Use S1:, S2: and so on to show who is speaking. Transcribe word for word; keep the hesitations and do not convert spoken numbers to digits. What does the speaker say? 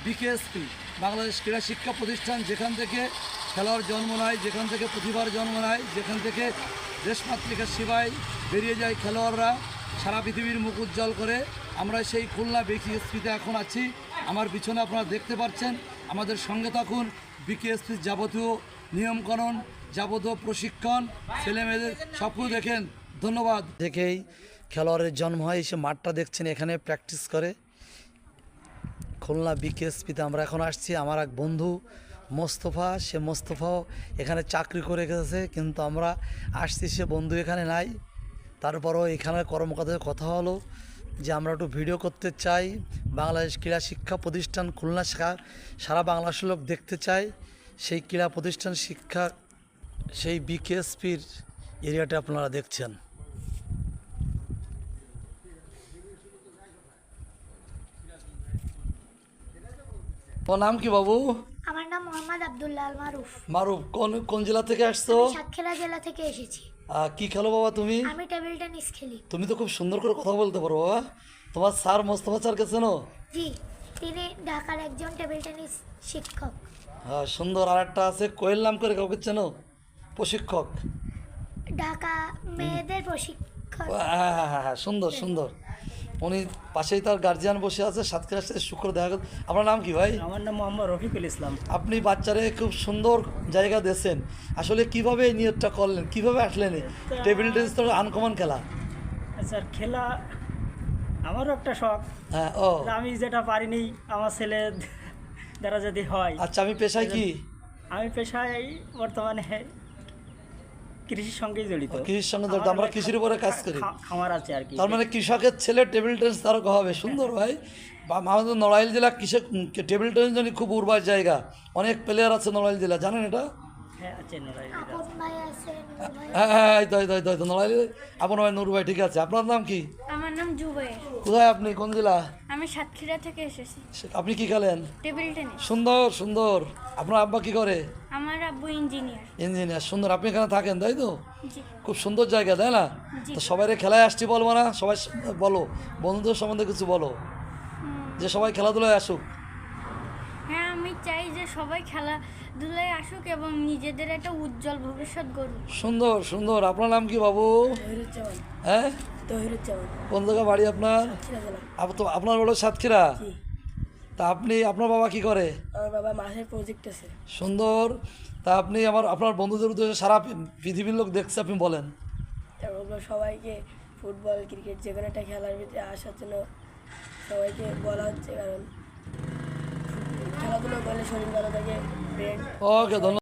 S1: BKSP Bangladesh ক্রীড়া শিক্ষা প্রতিষ্ঠান, যেখান থেকে খেলার জন্ম নেয়, যেখান থেকে প্রতিভার জন্ম নেয়, যেখান থেকে দেশমাতৃকার সেবায় বেরিয়ে যায় খেলোয়াড়রা, সারা পৃথিবীর মুখ উজ্জ্বল করে। আমরা সেই খুলনা বিকেএসপিতে এখন আছি। আমার পিছনে আপনারা দেখতে পাচ্ছেন। আমাদের সঙ্গে থাকুন। বিকেএসপির যাবতীয় নিয়মকানুন, যাবতীয় প্রশিক্ষণ, ছেলেমেয়েদের সবকিছু দেখেন। ধন্যবাদ। দেখেই খেলোয়াড়ের জন্ম হয়। সে মাঠটা দেখছেন, এখানে প্র্যাকটিস করে। খুলনা বিকেএসপিতে আমরা এখন আসছি। আমার এক বন্ধু মোস্তফা, সে মোস্তফাও এখানে চাকরি করে গেছে, কিন্তু আমরা আসছি, সে বন্ধু এখানে নাই। তারপরও এখানে কর্মকর্তাদের কথা হলো যে আমরা একটু ভিডিও করতে চাই, বাংলাদেশ ক্রীড়া শিক্ষা প্রতিষ্ঠান খুলনা শাখা সারা বাংলাদেশের লোক দেখতে চাই। সেই ক্রীড়া প্রতিষ্ঠান শিক্ষা, সেই বিকেএসপির এরিয়াটা আপনারা দেখছেন। তোমার নাম কি বাবু?
S2: আমার নাম মোহাম্মদ আব্দুল্লাহ মারুফ।
S1: মারুফ, কোন কোন জেলা থেকে আসছো?
S2: সাতক্ষীরা জেলা থেকে এসেছি।
S1: আহ, কি খেলো বাবা তুমি?
S2: আমি টেবিল টেনিস খেলি।
S1: তুমি তো খুব সুন্দর করে কথা বলতে পারো বাবা। তোমার স্যার মোস্তফা স্যারকে চেনো?
S2: জি, তিনি ঢাকার একজন টেবিল টেনিস শিক্ষক।
S1: হ্যাঁ, সুন্দর। আর একটা আছে কোয়েল নাম করে, কাউকে চেনো? প্রশিক্ষক,
S2: ঢাকা মেয়েদের প্রশিক্ষক।
S1: হ্যাঁ হ্যাঁ হ্যাঁ হ্যাঁ, সুন্দর সুন্দর। উনি পাশেই তার গার্জিয়ান বসে আছে। সাতক্ষীরা সাথে শুক্র দেখা গেল। আপনার নাম কি ভাই?
S3: আমার নাম মোহাম্মদ রফিকুল ইসলাম।
S1: আপনি বাচ্চারে খুব সুন্দর জায়গা দিয়েছেন। আসলে কিভাবে এই নিয়তটা করলেন, কিভাবে আসলেন? টেবিল টেনিস তো আনকমন খেলা।
S3: স্যার, খেলা আমারও একটা শখ।
S1: হ্যাঁ, ও
S3: আমি যেটা পারিনি আমার ছেলে দ্বারা যদি হয়।
S1: আচ্ছা, আমি পেশায় কি?
S3: আমি পেশায় বর্তমানে কৃষির সঙ্গেই জড়িত।
S1: কৃষির সঙ্গে জড়িত। আমরা কৃষির উপরে কাজ করি।
S3: খা- খামার আছে আর কি।
S1: তার মানে কৃষকের ছেলে টেবিল টেনিস তারক হবে। সুন্দর ভাই। বা আমাদের নড়াইল জেলা কৃষক টেবিল টেনিস জন্য খুব উর্বর জায়গা। অনেক প্লেয়ার আছে নড়াইল জেলা, জানেন এটা?
S3: হ্যাঁ, আছে নড়াইল।
S2: আপন ভাই আছে, নূর ভাই।
S1: হ্যাঁ হ্যাঁ, এই তো এই তো এই তো, এই তো নড়াইল। আপনার ভাই নূর ভাই, ঠিক আছে। আপনার নাম কি?
S4: আমার নাম জুবাইর।
S1: কোথায় আপনি, কোন জেলা?
S4: আমি সাতক্ষীরা থেকে এসেছি।
S1: আপনি কি খেলেন?
S4: Table tennis.
S1: সুন্দর সুন্দর। আপনার আব্বা কি করে?
S4: আমার আব্বু ইঞ্জিনিয়ার।
S1: ইঞ্জিনিয়ার। সুন্দর। আপনি এখানে থাকেন, তাই তো?
S4: জি।
S1: খুব সুন্দর জায়গা, তাই না?
S4: জি।
S1: তো সবাই খেলায় আসছি বলবো না? সবাই বলো, বন্ধুদের সম্বন্ধে কিছু বলো, যে সবাই খেলাধুলায় আসুক।
S4: হ্যাঁ, আমি চাই যে সবাই খেলাধুলায় আসুক এবং নিজেদের একটা উজ্জ্বল ভবিষ্যৎ গড়ুক।
S1: সুন্দর সুন্দর। আপনার নাম কি বাবু? হ্যাঁ, কোন জায়গা বাড়ি আপনার? আপ- তো আপনার হলো সাতক্ষীরা। তা আপনি, আপনার বাবা কি করে?
S5: আমার বাবা মাসের প্রজেক্ট আছে।
S1: সুন্দর। তা আপনি আমার আপনার বন্ধুদের উদ্দেশ্যে, সারা পৃ- পৃথিবীর লোক দেখছে, আপনি বলেন।
S5: তারপর সবাইকে ফুটবল ক্রিকেট যে কোনো একটা খেলার ভিতরে আসার জন্য সবাইকে বলা হচ্ছে, কারণ খেলাধুলো করলে শরীর ভালো থাকে, ব্রেন।
S1: ওকে, ধন্যবাদ।